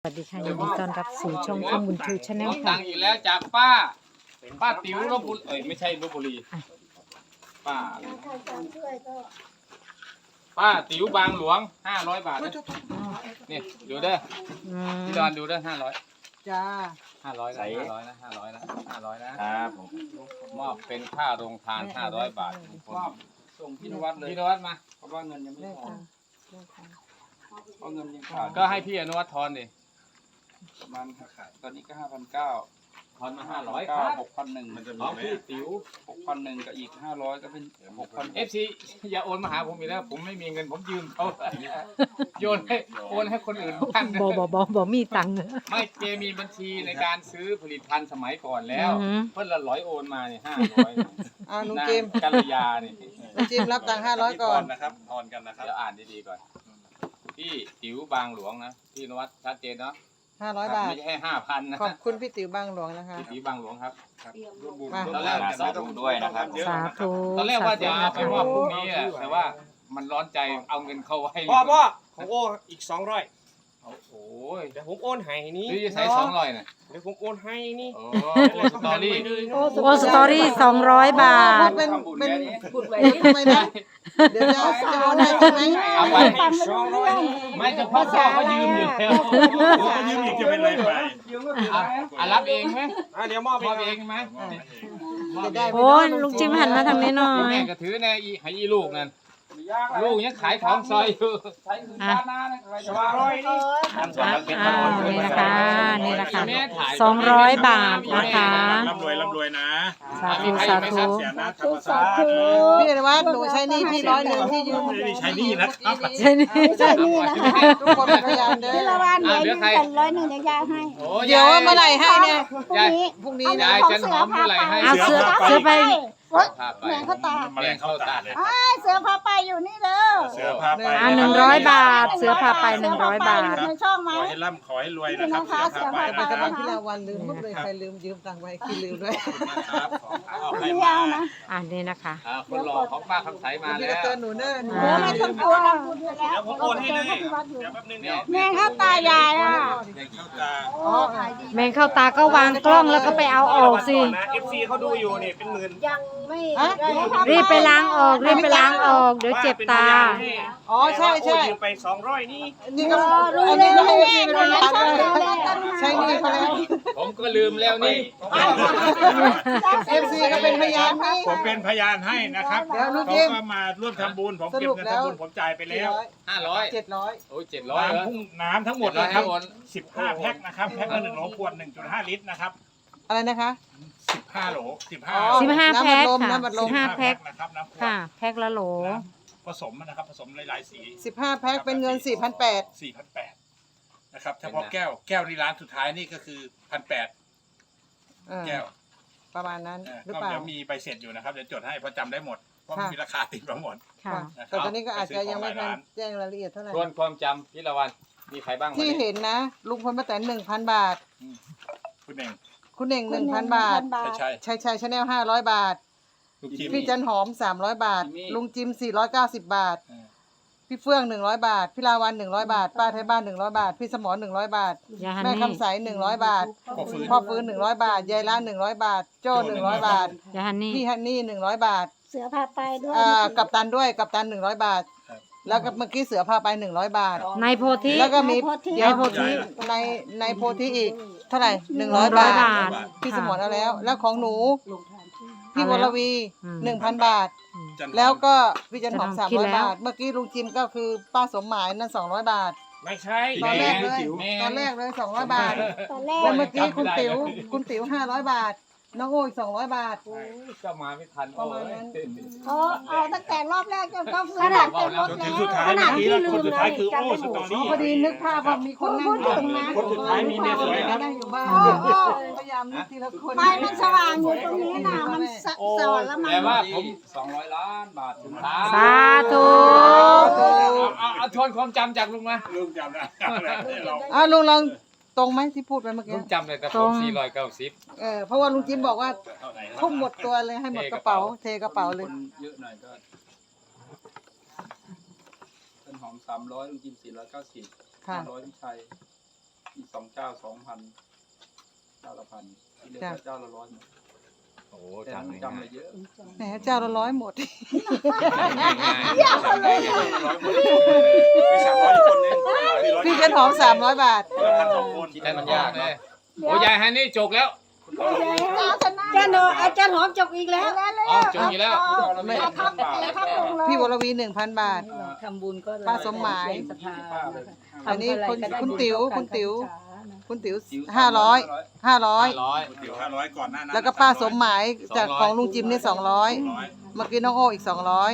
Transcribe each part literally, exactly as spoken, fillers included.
วัสดีค่ะยินดีต้อนรับสู่ช่องข้อมูลทูชาแนลตัค่ะงค์อีกแล้วจากป้าป้าติ๋วลพบุรีเอ้ยไม่ใช่ลพบุรีป้าป้าติ๋วบางหลวงห้าร้อยบาทนะนี่ดูเด้ออืมพี่ดอนดูเด้อห้าร้อยจ้าห้าร้อยนะห้าร้อยนะห้าร้อยนะห้าร้อยนะครับผมมอบเป็นค่าโรงทานห้าร้อยบาททุกคนส่งพี่นวัดเลยพี่นวัดมาเพราะว่าเงินยังไม่ได้พอค่ะได้ค่ะเพราะเงินยังขาดก็ให้พี่อนุวัฒน์ทอนดิประมาณขาดตอนนี้ก็ห้าพันเก้าทอนมาห้าร้อยคเก้ารับหกพันหนึ่งมันจะขมีองไหมพี่ติ๋วหกพันหนึ่งกับอีกห้าร้อยก็เป็นหกพันเอฟซีอย่าโอนมาหาผมอีกแล้วผมไม่มีเงินผมยืมเขาโยนให้โอนให้คนอื่นบ้างนะบอบอบอบอมีตังค์ไม่เจมีบัญชีในการซื้อผลิตภัณฑ์สมัยก่อนแล้วอือหือเพิ่นละร้อยโอนมาเนี่ยห้าร้อยอ่าลุงนางจิมกัลยาเนี่ยลุงจิมรับตังค์ห้าร้อยก่อนนะครับทอนกันนะครับเดี๋ยวอ่านดีๆก่อนพี่ติ๋วบางหลวงนะพี่นวัดชัดเจนเนาะห้าร้อยบาทไม่ใช่ห้าพันนะขอบคุณพี่ติ๋วบางหลวงนะคะพี่ติ๋วบางหลวงครับครับรวบรวมมาตอนแรกสาธุด้วยนะครับสาธุตอนแรกว่าจะสเอาไปธุมอบพรุ่งนี้อะแต่ว่ามันร้อนใจเอาเงินเข้าไว้พ่อพ่อของโออีกสองร้อยโอ้โหเดี๋ยวผมโอนให้นี่หรือจะใช้สองร้อยน่ะเดี๋ยวผมโอนให้นี่โอ้โหสตอรี่โอสตอรี่สองร้อยบาทเป็นเป็นพูดไปนะเดี๋ยวจะจะโอนให้ใช่ไหมเอาไปสองร้อยไม่จะพ่อพ่อก็ยืมอยู่แล้วยืมอีกจะเป็นไรไปอ่ะอ่ะรับเองไหมอ่ะเดี๋ยวมอบมอบเอเอง งไหมจะได้โอ้ยลุงจิมหันมาทางนี้หน่อยแม่ก็ถือในอีให้อีลูกนั่นลูกยังขายของซอยอยู่อ่ะสองร้อยนี่อ่ะอ่านี่นะคะนี่นะคะสองร้อยบาทนะคะร่ำรวยร่ำรวยนะสาธุสาธุเสียนะธรรมศาสตร์พี่นวัดหนูใช้หนี่พี่ร้อยหนึ่งที่ยืมไม่ได้ใช้หนี่นะครับใช่นี่ใช่นี่นะคะทุกคนเป็นพยานเด้อพี่ละวันเหลืออยู่แต่ร้อยหนึ่งเดี๋ยวยายให้โอ้เดี๋ยวว่าเมื่อไหร่ให้เนี่ยพรุ่งนี้พรุ่งนี้ยายจันหอมเมื่อไหร่ให้เอาเสือเสือไปโอ๊ยพาไปแมงเข้าตาแมลงเข้าตาเลยไอ้ายเสือพาไปอยู่นี่เด้อเสือพาไปอ่าหนึ่งร้อยบาท เสือพาไปหนึ่งร้อยบาทในช่องไหมขอให้ร่ำขอให้รวยนะครับเสือพาไปไปนะคจะรับ้าบนพี่ลาวันลืมหมดเลยใครลืมยืมตังค์ไว้พี่ลืมด้วยครับขอเอาให้ไม่มาเอานะอ่านี่นะคะอ่าคนหล่อของป้าคำใสมาพี่แล้ก็วเตือนหนูเด้อเดี๋ยวไม่ต้องกลัวเดี๋ยวผมโอนให้เลยเดี๋ยวแป๊บนึงเดี๋ยวแมงเข้าตายายอ่ะแมลงเข้าตาโอ้ขายดีแมงเข้าตาก็วางกล้องแล้วก็ไปเอาออกสินะ เอฟ ซี เขาดูอยู่นี่เป็นหมื่นยังไม่รีบไปล้างออกรีบไปล้างออกเดี๋ยวเจ็บตาอ๋อใช่ใช่โอนยืมไปสองร้อยนี่นี่ก็รู้อันเลนี้ยก็ให้แม่พี่หเป็นูนพในยานช่องด้วยดูแลกันใช่นี่เขาแล้วผมก็ลืมแล้วนี่เอฟซีก็เป็นพยานนี่ผมเป็นพยานให้นะครับเดี๋ยวลูกเขายิ้มก็มาร่วมทำบุญผมสเก็บรุปเงินแล้วทำบุญผมจ่ายไปแล้วห้าร้อยเจ็ดร้อยโอ้ยเจ็ดร้อยเหรอน้ำพุ่งน้ำทั้งหมดเจ็ดร้อยนะครับให้โอนสิบห้าแพ็คนะครับแพ็คละหนึ่งโหลขวดหนึ่งจุดห้าลิตรนะครับอะไรนะคะสิบห้าโหลสิบห้าอ๋อสิบห้าแพ็คค่ะน้ำบัดลมสิบห้าแพ็คนะครับน้ำขวดค่ะ แพ็คละโหลผสมนะครับผสมหลายๆสีสิบห้าแพ็คเป็นเงินสี่พันแปดสี่พันแปดนะครับเฉพาะแก้วแก้วในร้านสุดท้ายนี่ก็คือพันแปดแก้วประมาณนั้นเออหรือก็เปล่าเดี๋ยวมีใบเสร็จอยู่นะครับเดี๋ยวจดให้เพราะจำได้หมดเพราะค่ะมันมีราคาติดมาหมดค่ะนะครับแต่ตอนนี้ก็อาจจะยังไม่ทันไปซื้อของหลายร้านแจ้งรายละเอียดเท่าไหร่ทวนความจำพี่ละวันมีใครบ้างวันที่นี้เห็นนะ ลุงพลป้าแตนหนึ่งพันบาทคุณเองคุณเน่งหนึ่งพันบาทใช่ชายชายชาแนลห้าร้อยบาทลูกทีมพี่จันหอมสามร้อยบาท ลุงจิมสี่ร้อยเก้าสิบบาทเออพี่เฟื่องหนึ่งร้อยบาท พี่ลาวันหนึ่งร้อยบาท ป้าไทยบ้านหนึ่งร้อยบาท พี่สมรหนึ่งร้อยบาทยาฮันแม่นี่คำใสหนึ่งร้อยบาทพ่อฟื้นพ่อฟื้นหนึ่งร้อยบาท ยายล้านหนึ่งร้อยบาท โจ้หนึ่งร้อยบาทยาฮันนี่พี่ฮันนี่หนึ่งร้อยบาทเสือพาไปด้วยอ่ากับตันด้วยกับตันหนึ่งร้อยบาทครับแล้วก็เมื่อกี้เสือพาไปหนึ่งร้อยบาทในโพธิแล้วก็มีในโพธิในในโพธิอีก เท่าไหร่หนึ่งหร้อนึ่ยงร้อยบาบาททพี่สค่ะมรเอาแล้ว แล้วของหนู พี่วรวีอืมหนึ่งพันบาทจันหอมแล้วก็พี่จันหอมจัสาน มหอมคิดร้อยแล้วบาท เมื่อกี้ลุงจิมก็คือป้าสมหมายนั่นสองร้อยบาทไม่ใช่ตอนแรกเลยแม่ตอนแรกเลยสองร้อยบาทตอนแรแล้วกเมื่อกี้คุณติ๋วคุณติ๋วห้าร้อยบาท น้องโอ้อีกสองร้อยบาทก็มาไม่ทันประมาณนั้นเขาเอาตั้งแต่รอบแรกจนเขาขนาดเต็มรถจนถึแล้งสุดท้ายว เมื่อกี้แล้วคนสุดท้ายคือโอ้สตออ๋อรี่พอดีนึกภาพว่ามีคนนั่งพูดถึงนะคนสุดท้ายมีเมียสวยครับนั่งอยู่บ้านโอ้โอ้พยายามนึกทีละคนไฟมันสว่างอยู่ตรงนี้นะมันสะสว่างแล้วมันแต่ว่าผมสองร้อยล้านบาทถึงท้าสาธุเอาเอาเอาทวนความจำจากลุงมาลืมจำได้เราอ่ะลุงลองตรงไหมที่พูดไปเมื่อกี้ลุงจำเลยแต่ผมสี่ร้อยเก้าสิบเออเพราะว่าลุงจิมบอกว่าเท่าไหร่นะทุ่มหมดตัวเลยให้หมดกระเป๋า เทกระเป๋าเลยคนเยอะหน่อยก็ต้นหอมสามร้อยลุงจิมสี่ร้อยเก้าสิบค่ะห้าร้อยพี่ชัยอีกสองเจ้าสองพันเจ้าละพันที่เหลือเจ้าละร้อยหมดโอ้แต่จำมันง่ายจำอะไรเยอะแหมเจ้าละร้อยหมดมีสามร้อยอีกคนนึงสี่ร้อยพี่เจนหอมสามร้อยบาทคนละพันสองคนคิดให้มันยากเลยโอ้ยายฮันนี่จกแล้วอาจารย์หอมอาจารย์หอมจบอีกแล้วอ๋อจกอีกแล้วเราไม่ได้พันบาทพี่วรวีหนึ่งพันบาททำบุญก็ป้าสมหมายสภาอันนี้คุณคุณติ๋วคุณติ๋วคุณคุณติ๋วห้าร้อยห้าร้อยร้อยเดี๋ยวห้าร้อยก่อนหน้านั้นแล้วก็ป้าสมหมายจากของลุงจิมนี่สองร้อยร้อยเมื่อกี้น้องโออีกสองร้อย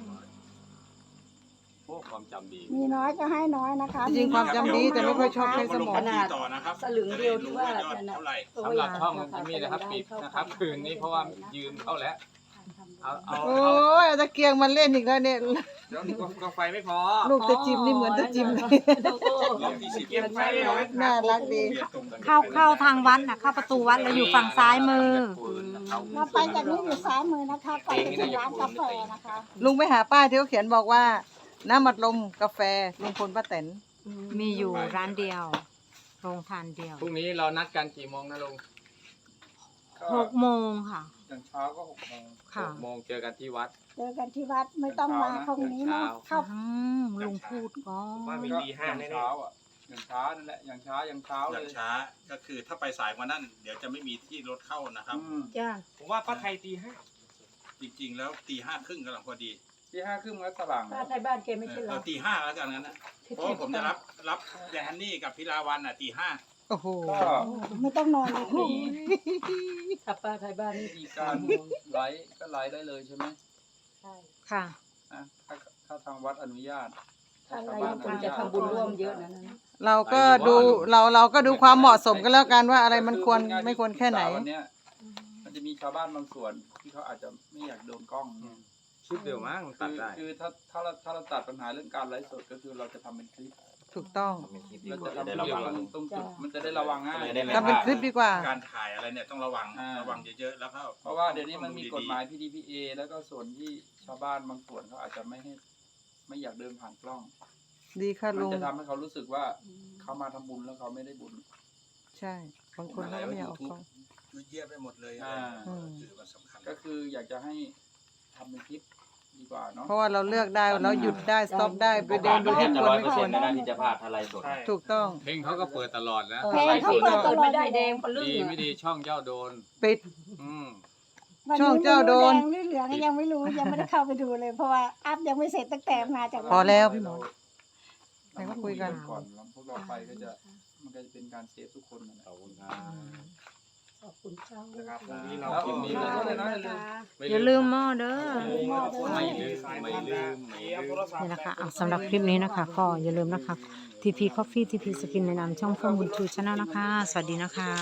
โอ้ความจำดีมีน้อยก็ให้น้อยนะคะจริงๆความจำดีแต่ไม่ค่อยชอบใช้สมองขนาดต่อนะครับสลึงเดียวที่ว่าจะได้รู้ยอดเท่าไหร่สำหรับช่องจิมมี่นะครับปิดนะครับคืนนี้เพราะว่ายืมเข้าแล้วเอาเอาโอ้เอายเอาตะเกียงมันเล่นอีกแล้วเนี่ยเดี๋ยวนี้ก็ไฟไม่พอลูกตะจิมนี่เหมือนตะจิมเลยรอบที่สิบเก็บไฟไม่น้อยน่ารักดีเข้าเข้าทางวัดนะเข้าประตูวัดแล้วอยู่ฝั่งซ้ายมือเราไปจากนี้อยู่ซ้ายมือนะคะไปที่ร้านกาแฟนะคะลุงไปหาป้ายที่เขาเขียนบอกว่า น้ำมัดลมกาแฟลุงพลป้าแตนมีอยู่ร้านเดียว โรงทานเดียวพรุ่งนี้เรานัดกันกี่โมงนะลุงหกโมงค่ะอย่างเช้าก็หกโมงหค่ะกโมงเจอกันที่วัดเจอกันที่วัดไม่ต้องมาตรงนี้เนาะเข้าอืมลุงพูดก่อว่าน มีตีห้าอย่างแน่เช้าอ่ะอย่างช้านั่นแหละอย่างช้าอย่างเช้าอเลย่างยช้าก็คือถ้าไปสายกว่านั้นเดี๋ยวจะไม่มีที่รถเข้านะครับอืมจ้าๆผมว่าป้าไทยตีห้าจริงๆแล้วตีห้าครึ่งกำลังพอดีที่ห้าครึ่งมันสว่างป้าไทยบ้านแกไม่เอใช่อเหรอเอาตีห้าแล้วกันงั้นนะเพราะว่าผมจะรับรับแดนนี่กับพิลาวันอ่ะตีห้าโอ้โหก็ไม่ต้องนอนเลยมีถ้าป้าไทยบ้านนี่มีการไลฟ์ก็ไลฟ์ได้เลยใช่ไหมค่ะนะถ้าถ้าทางวัดอนุญาตถ้าอะไรคนจะทำบุญร่วมเยอะนะนั้นเราก็ดูเราเราก็ดูความเหมาะสมกันแล้วกันว่าอะไรมันควรไม่ควรแค่ไหนวันเนี้ยมันจะมีชาวบ้านบางส่วนที่เขาอาจจะไม่อยากโดนกล้องเนี่ยชิปเดียวมั้งคืตัดอได้คือถ้าถ้าเราถ้าเราตัดปัญหาเรื่องการไลฟ์สดก็คือเราจะทำเป็นคลิปถูกต้องเราจะทำเป็นคลิปมันตรงจุดมันจะได้ระวังง่ายทำเป็นคลิปดีกว่าการถ่ายอะไรเนี่ยต้องระวังอ่าระวังเยอะๆแล้วก็เพราะว่าเดี๋ยวนี้มันมีกฎหมาย พี ดี พี เอ แล้วก็ส่วนที่ชาวบ้านบางส่วนเขาอาจจะไม่ให้ไม่อยากเดินผ่านกล้องดีค่ะมันลุงจะทำให้เขารู้สึกว่าเขามาทำบุญแล้วเขาไม่ได้บุญใช่บางคนเขาก็ไม่อยากออกกล้องเยี่ยมไปหมดเลยอ่าคือมันสำคัญก็คืออยากจะให้ทำเป็นคลิปดีกว่าเนาะเพราะว่าเราเลือกได้เราหยุดได้สต็อปได้ไปเดินดูที่ควรไม่ควรที่จะพลาดอะไรสดใช่ถูกต้องเพลงเขาก็เปิดตลอดนะเพลงเขาเปิดตลอไม่ดได้แดงปลื้ดีมไม่ดีช่องเจ้าโดนปิดอืมวันช่องนี้เจ้าโดนแดงหรือเหลืองยังไม่รู้ยังไม่ได้เข้าไปดูเลย เพราะว่าอัพยังไม่เสร็จตั้งแต่มาจากพอวัดแล้วพี่หมอเรามาคุยกันก่อนแล้วพวกเราไปก็จะมันก็จะเป็นการเซฟทุกคนนั่นแหละขอบคุณครับขอบคุณเจ้านะครับพรุ่งนี้เราแล้วก็มีมีเรื่องอะไรนะอย่าลืมอย่าลืมหม้อเด้อไม่ลืมไม่ลืมไม่ลืมนี่นะคะอ่ะสำหรับคลิปนี้นะคะ ก็อย่าลืมนะคะ ที พี Coffee ที พี Skin ในนามช่องเฟื่องบุญชูชาแนลนะคะ สวัสดีนะคะ